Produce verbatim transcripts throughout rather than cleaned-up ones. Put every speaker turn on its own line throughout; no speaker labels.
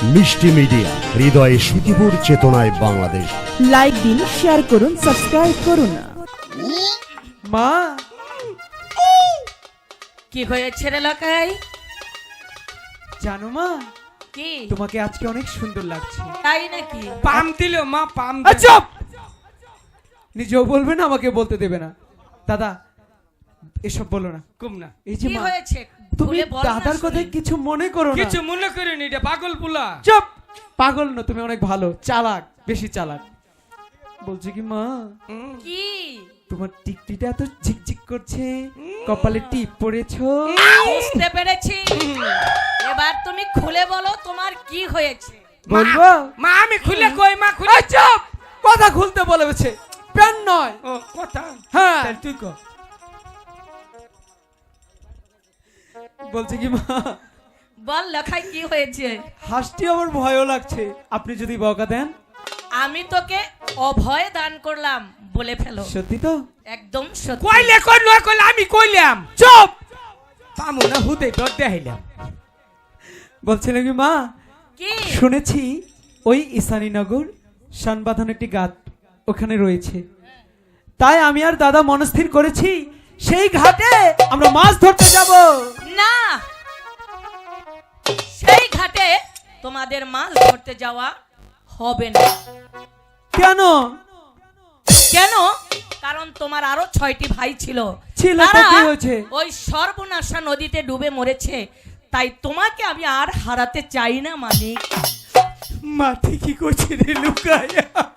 মিষ্টি মিডিয়া, হৃদয়ে সুখীপুর, চেতনায় বাংলাদেশ।
লাইক দিন, শেয়ার করুন, সাবস্ক্রাইব করুন।
মা,
কি হয়েছে রে লাকাই?
জানো মা,
কি
তোমাকে আজকে অনেক সুন্দর লাগছে।
তাই নাকি?
পাম দিল মা, পাম
আ, চুপ! নিজেও বলবে না, আমাকে বলতে দেবে না। দাদা, এসব বলো না।
কম না,
এই যে
কি
মা,
হয়েছে
তুমি
খুলে বল না
দাদার
শুনি।
কথায় কিছু মনে করো না।
কিছু মনে করিনি, এটা পাগল পুলা।
চুপ! পাগল না, তুমি অনেক ভালো, চালাক, বেশি চালাক। বলছি কি মা,
কি
তোমার টিকটিটা এত ঝিকঝিক করছে, কপালে টিপ পড়েছো।
বুঝতে পেরেছি। এবার তুমি খুলে বলো তোমার কি হয়েছে।
বলবো?
মা আমি খুলে কই, মা খুলে।
এই চুপ! কথা খুলতে বলেছে, প্যান নয়।
ও কথা,
হ্যাঁ,
তাহলে তুই কর।
বলছি কি মা,
বল লাখাই কি হয়েছে।
হাসটি আমার ভয়ও লাগছে, আপনি যদি বকা দেন।
আমি তোকে অভয় দান করলাম, বলে ফেলো।
সত্যি তো?
একদম সত্যি।
কইলে কই নয় কইলে আমি কইলাম।
চুপ!
পামু না, হুদে ডর দেখাইলাম।
বলছিলাম কি মা,
কি
শুনেছি ওই ঈশানীনগর শানবাঁধান একটি ঘাট ওখানে রয়েছে, তাই আমি আর দাদা মনস্থির করেছি সেই ঘাটে আমরা মাছ ধরতে যাব।
না, সেই ঘাটে তোমাদের মাছ ধরতে যাওয়া হবে না।
কেন?
কেন? কারণ তোমার আরো ছয়টি ভাই ছিল,
ছিল তো,
তারা
কি হয়েছে?
ওই সর্বনাশা নদীতে ডুবে মরেছে। তাই তোমাকে আমি আর হারাতে চাই না মানিক।
মা ঠিকই করছে রে, লুকায়।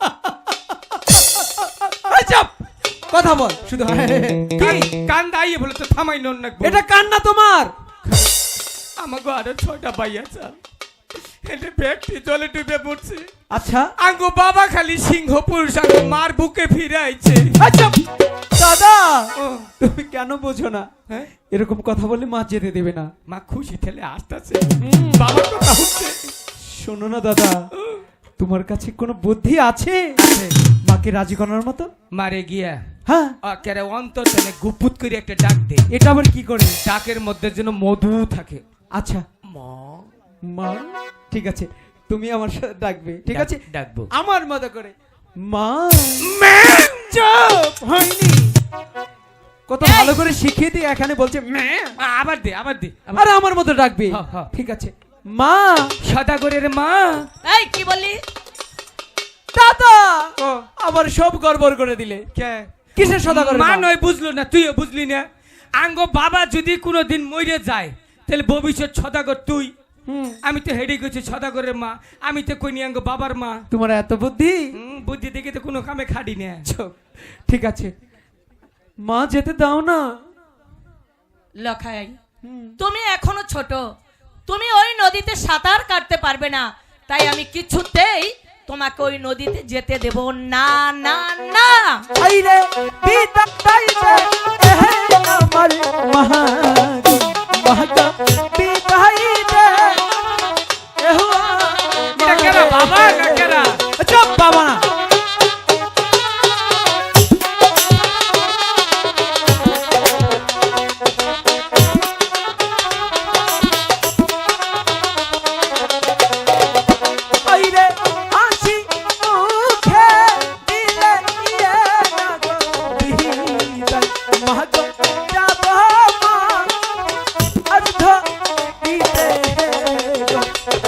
এই চুপ! কথা বল শুধু।
কান কান দাইয়ে বলে তো থামাই নন না।
এটা কান্না তোমার?
আমাকে আরো ছয়টা ভাই আছে, এটা ব্যক্তি জলে ডুবে পড়ছে।
আচ্ছা,
আঙ্গো বাবা খালি সিংহ পুরুষ আঙ্গো মার বুকে ফিরে আইছে।
আচ্ছা দাদা,
ও,
তুমি কেন বোঝো না?
হ্যাঁ?
এরকম কথা বললে মা যেতে দেবে না।
মা খুশি ঠেলে আসতেছে, বাবার কথা হচ্ছে।
শোনো না দাদা, তোমার কাছে কোনো বুদ্ধি আছে মাকে রাজি করার মতো?
মারে গিয়া
হ্যাঁ,
কেরে অন্তর তেনে গুপুত করে একটা ডাক দে।
এটা আবার কি করে?
ডাকের মধ্যে যেন মধু থাকে।
আচ্ছা
মা,
মা, ঠিক আছে, তুমি আমার সাথে ডাকবে, ঠিক
ডাক-
আছে?
ডাকবো।
আমার মতো করে। মা,
মা!
চুপ! হয়নি। কত ভালো করে শিখিয়ে দিই, এখানে বলছে ম্যাঁ।
আ, আবার দে, আবার দে, আবার
আরে আমার মতো ডাকবে।
হ্যাঁ, হ্যাঁ।
ঠিক আছে, মা।
সদাগরের মা।
এই কি বললি?
দাদা
ও,
আবার সব গড়বড় করে দিলে।
কে?
কিসের সদাগর?
মা নয় বুঝলো না, তুইও বুঝলি না। আঙ্গো বাবা যদি কোনোদিন মরে যায় তাহলে ভবিষ্যৎ সদাগর তুই। আমি তো হেডে গেছি সদাগরের মা, আমি তো কইনি আঙ্গো বাবার মা।
তোমার এত বুদ্ধি?
হুম, বুদ্ধি দেখে তো কোনো কামে খাড়ি না।
চুপ। ঠিক আছে, মা যেতে দাও না।
লখাই, তুমি এখনো ছোট, তুমি ওই নদীতে সাঁতার কাটতে পারবে না। তাই আমি কিছুতেই তোমাকে ওই নদীতে যেতে দেব না, না, না।
আইরে বিদাইতে এহে আমার মহাগো, মহাগো বিদাইতে এহো।
এটা কেরা বাবা না কেরা?
চুপ! বাবা না। আইরে হাসি মুখে দিলে ইয়ে না গো বিদায়, মহাগো যাব মা অর্ধ দিতে গো।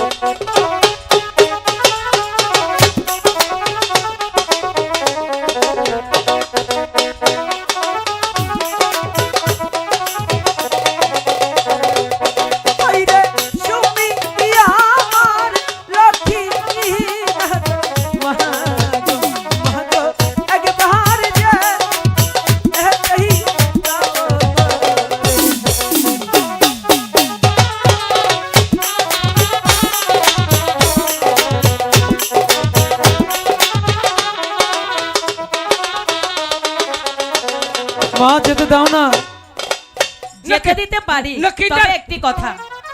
আইরে সুমি আমার লক্ষ্মী মহাগো, মহাগো একবার যে এই মা যেতে দাও না।
যেতে দিতে পারি,
লক্ষ্মীটা-
তবে একটি কথা।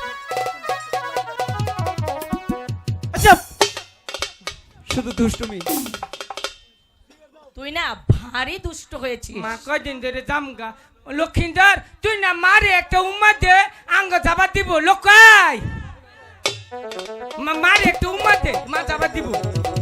আচ্ছা, শুধু দুষ্টুমি।
তুই না ভারী দুষ্ট হয়েছিস।
মা কয়দিন ধরে জামগা লক্ষিন্দর, তুই না মারে একটা উম্মা দে আঙ্গ যাবার দিব লোকাই। মা- মার একটু উম্মা দে, মা যাবার দিব।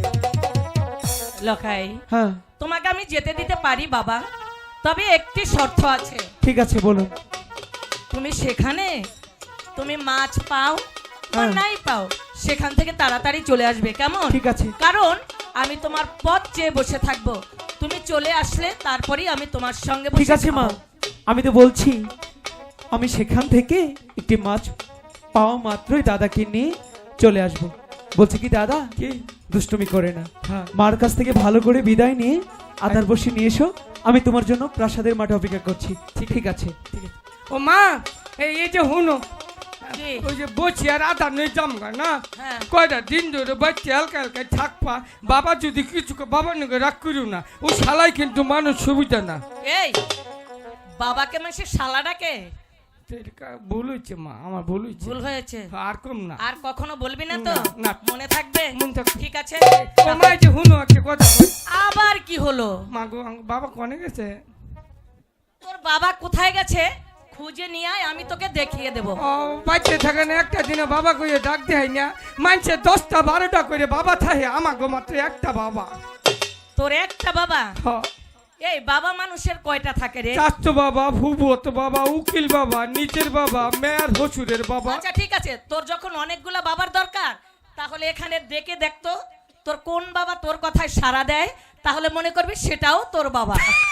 লখাই
হ্যাঁ
তোমাকে আমি যেতে দিতে পারি বাবা, তবে একটি শর্ত আছে।
ঠিক আছে বলুন।
তুমি সেখানে তুমি মাছ পাও বা
হ্যাঁ।
নাই পাও, সেখান থেকে তাড়াতাড়ি চলে আসবে, কেমন?
ঠিক আছে।
কারণ আমি তোমার পথ চেয়ে বসে থাকবো, তুমি চলে আসলে তারপরেই আমি তোমার সঙ্গে বসে
ঠিক আছে মা,
খাবো।
আমি তো বলছি আমি সেখান থেকে একটি মাছ পাওয়া মাত্রই দাদাকে নিয়ে চলে আসব। বলছি কি দাদা,
কি?
দুষ্টুমি করে না,
হ্যাঁ।
মার কাছ থেকে ভালো করে বিদায় নিয়ে আদার বসে নিয়ে এসো, আমি তোমার জন্য প্রাসাদের মাঠে অপেক্ষা করছি। ঠিক ঠিক আছে।
ঠিক আছে। ও মা, এই এই যে হুনো,
কি?
ওই যে বসি আর আদা নেই জামগা না,
হ্যাঁ।
কয়টা দিন ধরে বাচ্চা হালকা হালকা থাকবা, বাবা যদি কিছু ক- বাবার নাকি রাগ করিও না, ও শালাই কিন্তু মানুষ সুবিধা না।
এই বাবাকে মানে সে শালা ডাকে?
এটা ভুল হয়েছে মা, আমার ভুল হয়েছে।
ভুল হয়েছে,
আর কম না।
আর কখনো বলবি না তো?
না, না।
মনে থাকবে?
মনে থাকবে।
ঠিক আছে।
ও মা, এই যে হুনো একটা কথা কই।
আবার কি হলো?
মা গো, আম- বাবা কনে গেছে?
তোর বাবা কোথায় গেছে খুঁজে নিয়ে আয়, আমি তোকে দেখিয়ে দেব।
ও বাচ্চা থাকে না, একটা দিনে বাবা কইয়ে ডাক দেয় না, মানছে দশটা বারোটা করে বাবা থাকে, আমার গো মাত্র একটা বাবা।
তোর একটা বাবা?
হ,
এই বাবা মানুষের কয়টা থাকে রে?
চাচতো বাবা, ভুবত বাবা, উকিল বাবা, নিজের বাবা, মেয়ের হসুরের বাবা।
আচ্ছা ঠিক আছে, তোর যখন অনেকগুলা বাবার দরকার, তাহলে এখানে ডেকে দেখতো তোর কোন বাবা তোর কথায় সাড়া দেয়, তাহলে মনে করবি সেটাও তোর বাবা।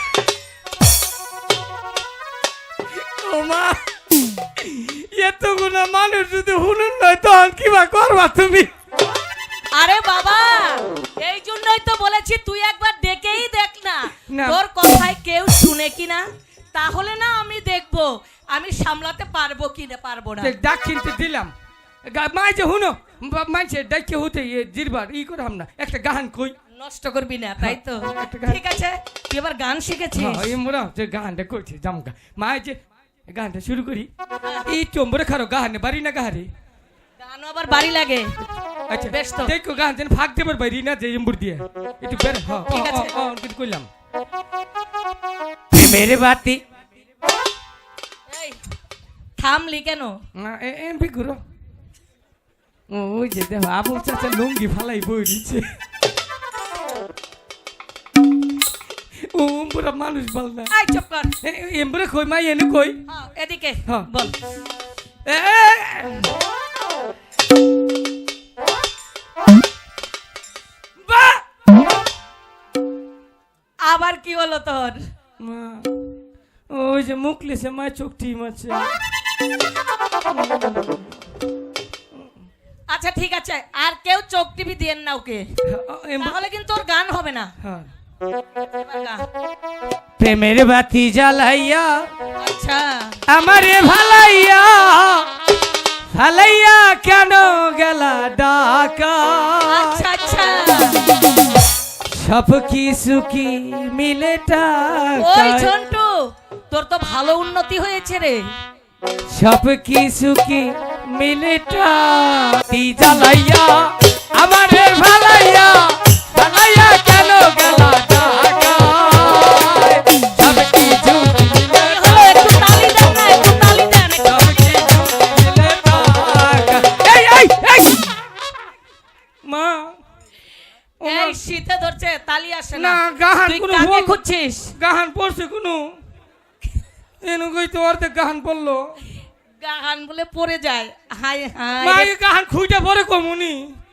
ও মা, এতগুলো মানুষ যদি হুনুন নয় তখন কিবা করবা তুমি?
আরে বাবা, এই জন্যই তো বলেছি তুই একবার ডেকেই দেখ না,
না।
তোর কথায় কেউ শুনে কিনা, তাহলে না আমি দেখবো আমি সামলাতে পারবো কি না পারবো না।
দেখ, ডাক কিনতে দিলাম, গা- মাই যে হুনো, বা- মাইছে ডাইকে হতে ইয়ে জিরবার ই করলাম না, একটা গান কই।
নষ্ট করবি না, তাই তো?
একটা গান-
ঠিক আছে, তুই এবার গান শিখেছিস?
হ্যাঁ, এই মোরা যে গানটা করছে জামগা, মাই যে গানটা শুরু করি, এই চম্বরে খারো গাহানে বাড়ি না গাহারে।
গানও আবার বাড়ি লাগে।
আচ্ছা
বেশ তো।
দেখো গান যেন ফাঁক দেবার বাইরি না যে এম্বুর দিয়ে একটু বের। হ্যাঁ,
ঠিক
ও,
আছে।
ও, ও, কিন্তু কইলাম মেরে বাতি
এই থামলি কেন?
এমপি ঘুরো। ও, ওই যে দেখো আবুল চাচা লুঙ্গি ফালাই বই দিচ্ছে, ও পুরা মানুষ বল না।
এই চুপ কর।
এমবুরে কই মাই এনে কই।
হ্যাঁ, এদিকে
হ্যাঁ।
বল।
এ, বাহ!
আবার কি হলো তোর?
মা, ওই যে মুখ লেছে মা, চোখ টিম আছে।
আচ্ছা ঠিক আছে, আর কেউ চোখ টিভি দিয়েন না ওকে,
এম-
তাহলে কিন্তু ওর গান হবে না।
হ্যাঁ।
এবার গা।
প্রেমের বাতি জ্বালাইয়া
আচ্ছা
আমারে ভালাইয়া ভালাইয়া কেন গেলা ডাকা,
আচ্ছা আচ্ছা
সব কিছু কি মিলে
ওই
টাকা,
ঝন্টু, তোর তো ভালো উন্নতি হয়েছে রে।
সব কিছু কি মিলে টাকা জ্বালাইয়া আমারে ভালাইয়া ভালাইয়া কেন গেলা ডাকা, সব কিছু মিলে
এই হলো, একটু তালি দেন না, একটু তালি দেন।
সব কিছু মিলে টাকা। এই এই এই মা, ও মা,
এই শীতে ধরছে, তালি আসে
না
না।
গাহান
তুই
কোনো
কাকে
বল-
খুঁজছিস?
গাহান পড়ছে কোনো এনু কই তো অর্ধেক গাহান পড়লো।
গান বলে পড়ে যায়। হাই
মা,
হাই
এই গাহান খুঁজে পরে কমুনি।